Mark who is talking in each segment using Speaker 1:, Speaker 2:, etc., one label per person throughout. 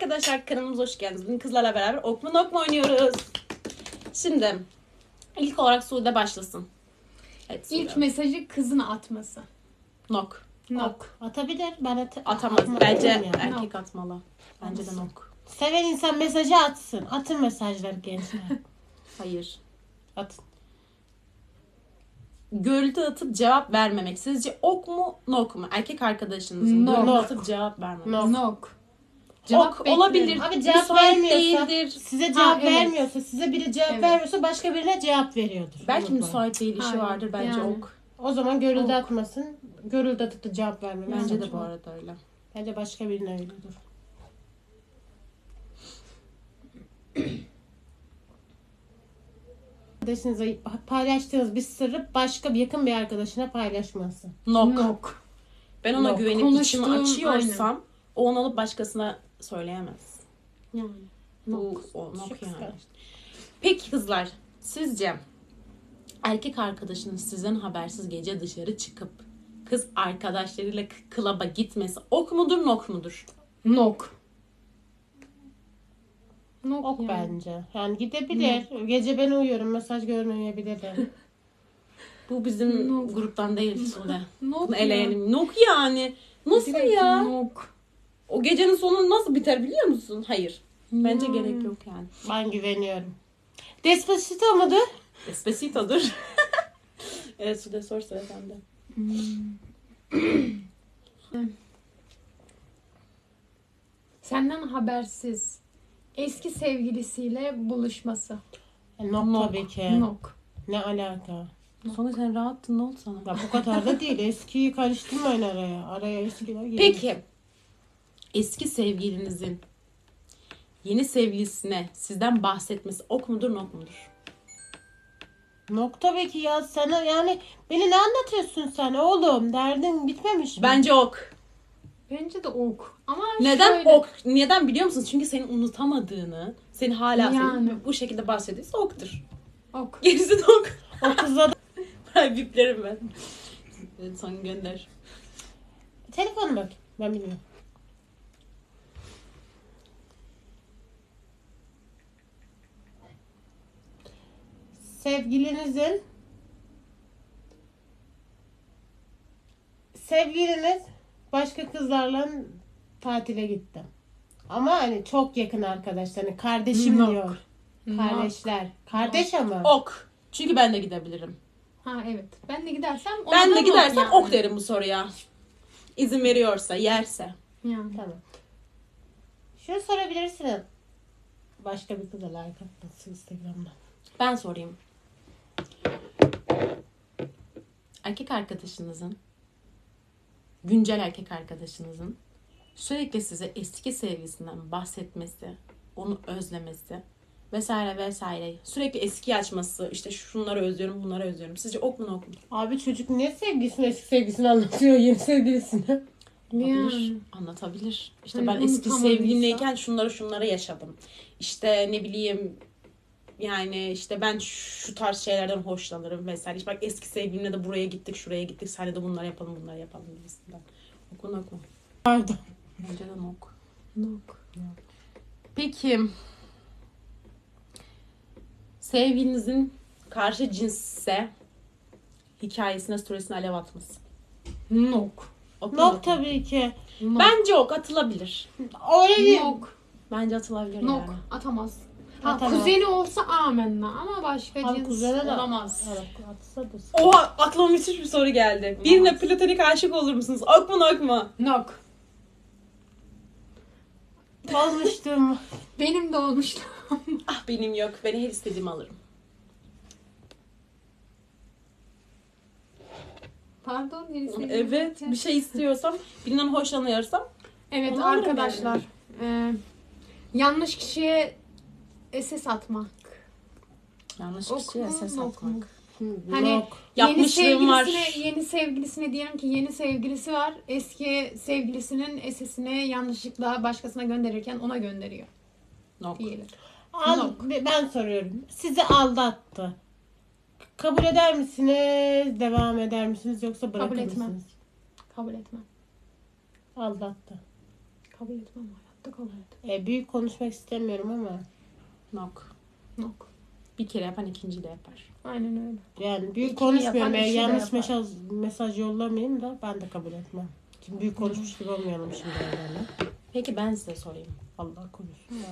Speaker 1: arkadaşlar, kanalımıza hoş geldiniz. Bugün kızlarla beraber ok mu nok mu oynuyoruz. Şimdi ilk olarak Sude başlasın. Evet, Sude.
Speaker 2: İlk mesajı kızın atması.
Speaker 1: Nok.
Speaker 2: Nok.
Speaker 3: Atabilir. Ben
Speaker 1: Atamaz.
Speaker 3: atmam
Speaker 1: Bence
Speaker 3: yani.
Speaker 1: erkek atmalı. Bence de nok.
Speaker 3: Seven insan mesajı atsın. Atın mesajları gençler.
Speaker 1: Hayır.
Speaker 3: Atın.
Speaker 1: Görüntü atıp cevap vermemek. Sizce ok mu nok mu? Erkek arkadaşınızın
Speaker 2: Nok.
Speaker 1: görüntü atıp cevap vermemek.
Speaker 2: Nok.
Speaker 1: Ok olabilir.
Speaker 3: Abi cevap
Speaker 1: Müsait
Speaker 3: vermiyorsa,
Speaker 1: değildir.
Speaker 3: size cevap
Speaker 2: evet.
Speaker 3: vermiyorsa, size biri cevap
Speaker 2: Evet.
Speaker 3: vermiyorsa başka birine cevap veriyordur.
Speaker 1: Belki
Speaker 3: Unutma.
Speaker 1: müsait değil, işi
Speaker 2: Hayır,
Speaker 1: vardır. Bence
Speaker 2: yani.
Speaker 1: ok.
Speaker 3: O zaman görüldü
Speaker 2: Ok.
Speaker 3: atmasın. Görüldü atıp da cevap vermemek.
Speaker 1: Bence de
Speaker 3: saçma.
Speaker 1: bu arada öyle.
Speaker 3: Bence başka birine veriyordur. Arkadaşınıza paylaştığınız bir sırrı başka bir yakın bir arkadaşına paylaşması.
Speaker 1: Nok.
Speaker 2: Nok.
Speaker 1: Ben ona
Speaker 3: Nok.
Speaker 1: güvenip içimi
Speaker 2: Konuştuğum,
Speaker 1: açıyorsam o onu alıp başkasına söyleyemez.
Speaker 2: Yani.
Speaker 1: Bu o nok
Speaker 3: Çok
Speaker 1: yani.
Speaker 3: kıskanç.
Speaker 1: Peki kızlar, sizce erkek arkadaşınız sizden habersiz gece dışarı çıkıp kız arkadaşlarıyla klaba gitmesi ok mudur nok mudur?
Speaker 2: Nok. Nok
Speaker 3: Ok
Speaker 2: yani.
Speaker 3: bence. Yani gidebilir. Gece ben uyuyorum. Mesaj görmeyebilirim.
Speaker 1: Bu bizim
Speaker 2: Nok.
Speaker 1: gruptan değil Sude.
Speaker 2: Nok
Speaker 1: Bunu
Speaker 2: ya.
Speaker 1: eleyelim. Nok yani. Nasıl
Speaker 2: Direkt
Speaker 1: ya?
Speaker 2: Nok.
Speaker 1: O gecenin sonu nasıl biter biliyor musun? Hayır. Bence
Speaker 2: Hmm.
Speaker 1: gerek yok yani.
Speaker 3: Ben güveniyorum. Despacito mudur?
Speaker 1: Despacito'dur. Evet Sude, sor sıra sende.
Speaker 2: Senden habersiz eski sevgilisiyle buluşması.
Speaker 3: Nok,
Speaker 1: Nok.
Speaker 3: tabii ki.
Speaker 2: Nok.
Speaker 3: Ne alaka?
Speaker 1: Sonra sen rahattın, ne oldu sana?
Speaker 3: Ya bu kadar da değil. Eskiyi karıştırmayın araya. Araya eskiler geliyor.
Speaker 1: Peki eski sevgilinizin yeni sevgilisine sizden bahsetmesi ok mudur nok mudur?
Speaker 3: Nok tabii ki ya. Sana yani beni ne anlatıyorsun sen oğlum? Derdin bitmemiş mi?
Speaker 1: Bence ok.
Speaker 2: Bence de ok. Ama
Speaker 1: Neden
Speaker 2: şöyle,
Speaker 1: ok? Neden biliyor musunuz? Çünkü seni unutamadığını, seni hala
Speaker 2: Yani.
Speaker 1: bu şekilde bahsediyorsa oktur.
Speaker 2: Ok.
Speaker 1: Gerisi de ok.
Speaker 3: O kızla da...
Speaker 1: Ay, biplerim ben. Evet, son gönder.
Speaker 3: Telefonu bak. Ben bilmiyorum. Sevgiliniz başka kızlarla tatile gitti. Ama hani çok yakın arkadaşlar. Hani kardeşim
Speaker 2: Nok.
Speaker 3: diyor. Kardeşler. Kardeş ama.
Speaker 1: Ok. Çünkü ben de gidebilirim.
Speaker 2: Ha evet. Ben de gidersem ona
Speaker 1: Ben
Speaker 2: da
Speaker 1: de
Speaker 2: nok
Speaker 1: gidersem
Speaker 2: yani.
Speaker 1: ok derim bu soruya. İzin veriyorsa, yerse.
Speaker 2: Yani.
Speaker 3: Tamam. Şunu sorabilirsin. Başka bir kıza like atmasın Instagram'da.
Speaker 1: Ben sorayım. Erkek arkadaşınızın, güncel erkek arkadaşınızın sürekli size eski sevgilisinden bahsetmesi, onu özlemesi vesaire vesaire, sürekli eski açması, işte şunları özlüyorum, bunları özlüyorum. Sizce ok mu nok mu?
Speaker 3: Abi çocuk niye sevgilisini eski sevgilisini anlatıyor yeni sevgilisine?
Speaker 1: Olabilir.
Speaker 2: Yani.
Speaker 1: Anlatabilir. İşte
Speaker 2: Hani
Speaker 1: ben eski
Speaker 2: unutamadıysa.
Speaker 1: sevgilimleyken şunları yaşadım. İşte ne bileyim, yani işte ben şu tarz şeylerden hoşlanırım vesaire. İşte bak, eski sevgilimle de buraya gittik, şuraya gittik. Sen de bunları yapalım, bunları yapalım gibisinden. Ok mu nok mu?
Speaker 3: Pardon.
Speaker 1: Bence de nok.
Speaker 2: Nok.
Speaker 1: Peki sevgilinizin karşı cinsse hikayesine, storiesine alev atması.
Speaker 2: Nok.
Speaker 1: Ok mu,
Speaker 3: Nok
Speaker 1: mu?
Speaker 3: tabii ki.
Speaker 2: Nok.
Speaker 1: Bence ok atılabilir.
Speaker 3: Öyle değil.
Speaker 2: Nok.
Speaker 1: Bence atılabilir
Speaker 2: Nok.
Speaker 1: yani.
Speaker 2: Atamaz. Ha,
Speaker 3: Atamaz.
Speaker 2: kuzeni olsa amenna ama başka
Speaker 3: Abi
Speaker 2: cins
Speaker 3: kuzene de
Speaker 2: olamaz.
Speaker 3: Evet, atsa da.
Speaker 1: Oha, aklıma müthiş bir soru geldi. Birine platonik aşık olur musunuz? Ok mu nok mu?
Speaker 2: Nok.
Speaker 3: Olmuştum.
Speaker 2: Benim de olmuştu.
Speaker 1: Ah, benim yok. Ben her istediğimi alırım.
Speaker 2: Pardon neresi?
Speaker 1: Evet, bir şey istiyorsam, birinden hoşlanıyorsam.
Speaker 2: Evet
Speaker 1: Onu alırım
Speaker 2: arkadaşlar. Yanlış kişiye SS atmak.
Speaker 1: Yanlış
Speaker 2: Ok
Speaker 1: kişiye
Speaker 2: mu,
Speaker 1: ses
Speaker 2: nok mu?
Speaker 1: atmak.
Speaker 2: Hani
Speaker 3: Nok.
Speaker 1: Yapmışlığım var.
Speaker 2: Yeni sevgilisine diyelim ki yeni sevgilisi var. Eski sevgilisinin SS'ini yanlışlıkla başkasına gönderirken ona gönderiyor
Speaker 1: Nok.
Speaker 2: diyelim.
Speaker 3: Al, ben soruyorum. Sizi aldattı. Kabul eder misiniz? Devam eder misiniz? Yoksa bırakır
Speaker 2: Kabul etmem.
Speaker 3: mısınız?
Speaker 2: Kabul etmem.
Speaker 3: Aldattı.
Speaker 2: Kabul etmem hayatta hayatta kabul et.
Speaker 3: Büyük konuşmak istemiyorum ama
Speaker 1: Nok.
Speaker 2: Nok.
Speaker 1: Bir kere yapan ikinciyi de yapar.
Speaker 2: Aynen öyle.
Speaker 3: yani büyük
Speaker 2: İkini
Speaker 3: konuşmuyorum.
Speaker 2: yapan
Speaker 3: Eğer
Speaker 2: üçü de
Speaker 3: yanlış
Speaker 2: yapar.
Speaker 3: mesaj yollamayayım da ben de kabul etmem. Şimdi büyük konuşmuş gibi olmayalım şimdi öyle.
Speaker 1: Peki ben size sorayım.
Speaker 3: Allah korusun da.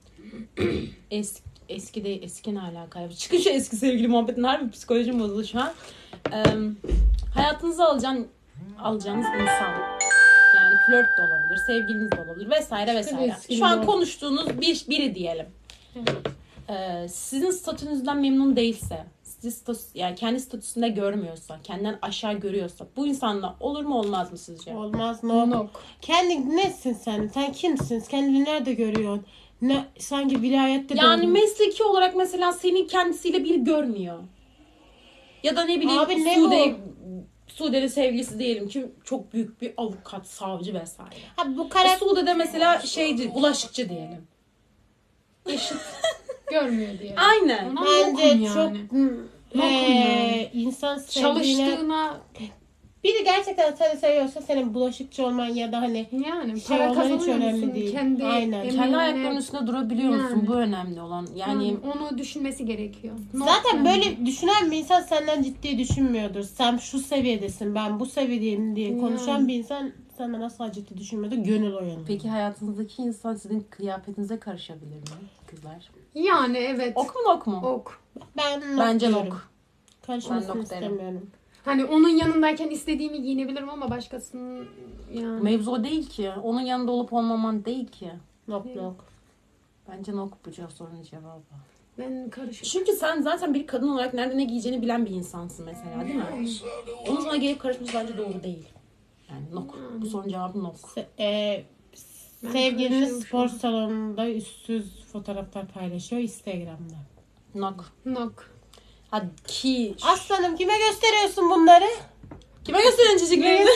Speaker 1: Eski ne alaka? Çıkın şu eski sevgili muhabbetin, harbi psikolojim bozuldu şu an. Hayatınıza alacağınız insan. Yani flört de olabilir, sevgiliniz de olabilir vesaire vesaire.
Speaker 2: eski
Speaker 1: Şu an
Speaker 2: bir-
Speaker 1: konuştuğunuz biri diyelim. Sizin statünüzden memnun değilse, yani kendi statüsünde görmüyorsa, kendinden aşağı görüyorsa bu insanla olur mu olmaz mı sizce?
Speaker 3: Olmaz no.
Speaker 2: Nok.
Speaker 3: Kendi nesin sen? Sen kimsin? Kendini nerede görüyorsun? Ne sanki vilayette
Speaker 1: Yani
Speaker 3: doğdun.
Speaker 1: mesleki olarak mesela seni kendisiyle bir görmüyor. Ya da ne bileyim
Speaker 3: Abi ne
Speaker 1: Sude'nin sevgilisi diyelim ki çok büyük bir avukat, savcı vesaire.
Speaker 3: Ha, bu karakter
Speaker 1: Sude'de mesela bulaşıkçı diyelim. Eşit.
Speaker 2: Görmüyor diye.
Speaker 1: Aynen.
Speaker 2: Ona
Speaker 3: bence
Speaker 2: nokum
Speaker 3: çok
Speaker 2: yani. Yani.
Speaker 3: insan sevdiğine
Speaker 2: Çalıştığına
Speaker 3: biri gerçekten seni seviyorsa senin bulaşıkçı olman ya da hani
Speaker 2: yani
Speaker 3: Şey
Speaker 2: para
Speaker 3: olman hiç
Speaker 2: kazanıyor
Speaker 3: önemli
Speaker 2: musun?
Speaker 3: değil.
Speaker 2: Kendi
Speaker 3: Aynen.
Speaker 2: emeğine-
Speaker 1: Kendi ayaklarının üstünde durabiliyor musun?
Speaker 2: Yani.
Speaker 1: Bu önemli olan. Yani
Speaker 2: onu düşünmesi gerekiyor. Nok
Speaker 3: zaten
Speaker 2: yani.
Speaker 3: böyle düşünen bir insan senden ciddi düşünmüyordur. Sen şu seviyedesin, ben bu seviyedeyim diye konuşan
Speaker 2: Yani.
Speaker 3: bir insan senden asla ciddi düşünmüyordur. Gönül oyanı.
Speaker 1: peki hayatınızdaki insan sizin kıyafetinize karışabilir mi kızlar?
Speaker 2: Yani evet.
Speaker 1: Ok mu nok mu?
Speaker 2: Ok.
Speaker 3: Ben nok
Speaker 1: Bence
Speaker 3: diyorum.
Speaker 1: nok.
Speaker 3: Karışmasını
Speaker 1: Ben nok derim.
Speaker 3: istemiyorum.
Speaker 2: Hani onun yanındayken istediğimi giyinebilirim ama başkasının yani.
Speaker 1: Mevzu o değil ki. Onun yanında olup olmaman değil ki.
Speaker 3: Nok
Speaker 2: Evet.
Speaker 3: nok.
Speaker 1: Bence nok bu sorunun cevabı.
Speaker 2: Ben karışık.
Speaker 1: Çünkü sen zaten bir kadın olarak nerede ne giyeceğini bilen bir insansın mesela, değil mi? Onun sana gelip karışması bence doğru değil. Yani nok. Bu sorunun cevabı nok.
Speaker 2: Ben
Speaker 3: Sevgiliniz
Speaker 2: karışığım şu
Speaker 3: spor
Speaker 2: an.
Speaker 3: salonunda üstsüz fotoğraflar paylaşıyor Instagram'da.
Speaker 1: Nok.
Speaker 2: Nok.
Speaker 1: Hadi ki.
Speaker 3: Aslanım kime gösteriyorsun bunları?
Speaker 1: Kime gösterin çocuklarını?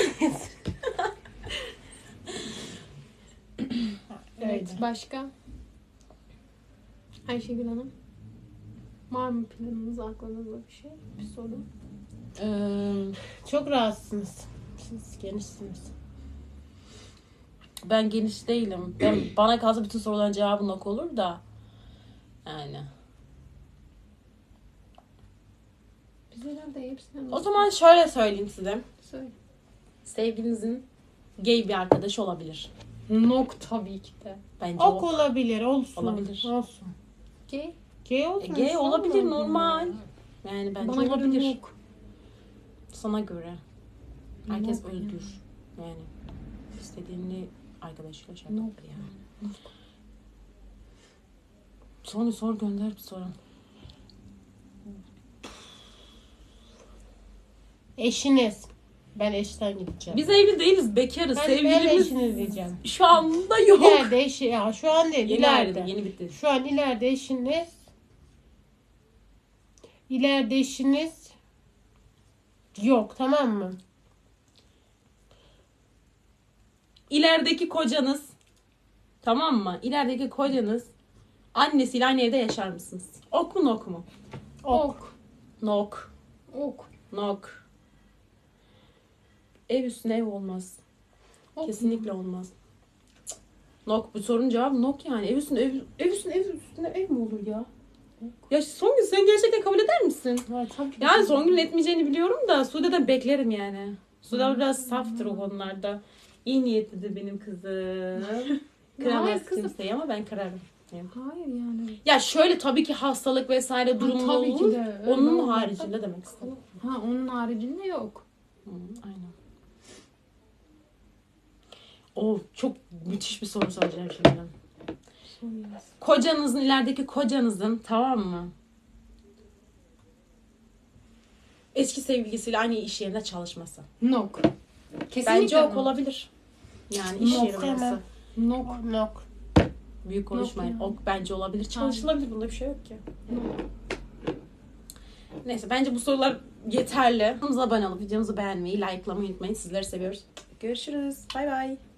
Speaker 2: Evet.
Speaker 3: Öyle.
Speaker 2: Başka? Ayşegül Hanım. Var mı planınız, aklınızda bir şey? Bir soru.
Speaker 3: Çok rahatsınız. Siz genişsiniz.
Speaker 1: Ben geniş değilim. Bana kalsa bütün soruların cevabı nok olur da. Yani.
Speaker 2: Biz herhalde hepsinden
Speaker 1: O zaman şöyle söyleyeyim size.
Speaker 2: söyle.
Speaker 1: Sevgilinizin gay bir arkadaşı olabilir.
Speaker 2: Nok tabii ki de.
Speaker 1: Bence
Speaker 3: Ok
Speaker 1: ok.
Speaker 3: olabilir, olsun.
Speaker 1: Olabilir.
Speaker 3: Olsun.
Speaker 2: Gay.
Speaker 3: Gay olsun.
Speaker 1: Gay
Speaker 3: inşallah.
Speaker 1: olabilir, normal. Yani bence
Speaker 2: Bana göre
Speaker 1: olabilir.
Speaker 2: nok.
Speaker 1: Sana göre. Herkes
Speaker 2: Nok
Speaker 1: özgür. Yani istediğini arkadaşıyla şey
Speaker 2: Nok
Speaker 1: yapabilir yani. Sor gönder bir soru.
Speaker 3: Eşiniz. Ben eşten gideceğim.
Speaker 1: Biz evli değiliz, bekarız.
Speaker 3: ben
Speaker 1: Sevgilimiz
Speaker 3: eşiniz diyeceğim.
Speaker 1: şu anda yok.
Speaker 3: İleride eşi, ya şu an değil,
Speaker 1: Yeni
Speaker 3: ileride.
Speaker 1: ayrıldı, yeni bitti.
Speaker 3: Şu an ileride eşiniz. İleride eşiniz yok, tamam mı?
Speaker 1: İlerideki kocanız, tamam mı? İlerideki kocanız annesiyle aynı evde yaşar mısınız? Ok mu nok mu?
Speaker 2: Ok.
Speaker 1: Nok.
Speaker 2: Ok.
Speaker 1: Nok. Ev üstüne ev olmaz.
Speaker 2: Ok.
Speaker 1: Kesinlikle olmaz. Cık. Nok. Bu sorunun cevabı nok yani. Ev üstüne ev mi olur ya? Ya Songül sen gerçekten kabul eder misin?
Speaker 3: Ha, tabii ki.
Speaker 1: Yani Songül'ün etmeyeceğini biliyorum da Sude'den beklerim yani. Sude biraz saftır o konularda. İyi niyetlidir benim kızım. Kıramaz
Speaker 2: Hayır kızım.
Speaker 1: kimseyi ama ben kırarım. Yani.
Speaker 2: Hayır yani.
Speaker 1: Ya şöyle tabii ki hastalık vesaire durumu
Speaker 2: tabii ki
Speaker 1: olur.
Speaker 2: de, öyle
Speaker 1: Onun
Speaker 2: olmaz.
Speaker 1: haricinde demek istedim.
Speaker 2: Ha onun haricinde yok.
Speaker 1: Aynen. Çok müthiş bir soru soracağım şimdi. Kocanızın, ilerideki kocanızın, tamam mı? Eski sevgilisiyle aynı iş yerinde çalışması.
Speaker 2: Nok. Kesinlikle
Speaker 1: Bence ok
Speaker 2: nok.
Speaker 1: olabilir. Yani iş
Speaker 3: Nok
Speaker 1: yeri orası.
Speaker 3: demem.
Speaker 2: Nok.
Speaker 3: Nok.
Speaker 1: Büyük konuşmayın.
Speaker 2: yani.
Speaker 1: Ok bence olabilir. Çalışılabilir. Bunda bir şey yok ki. Neyse bence bu sorular yeterli. Kanalımıza abone olup videomuzu beğenmeyi, likelamayı unutmayın. Sizleri seviyoruz. Görüşürüz. Bay bay.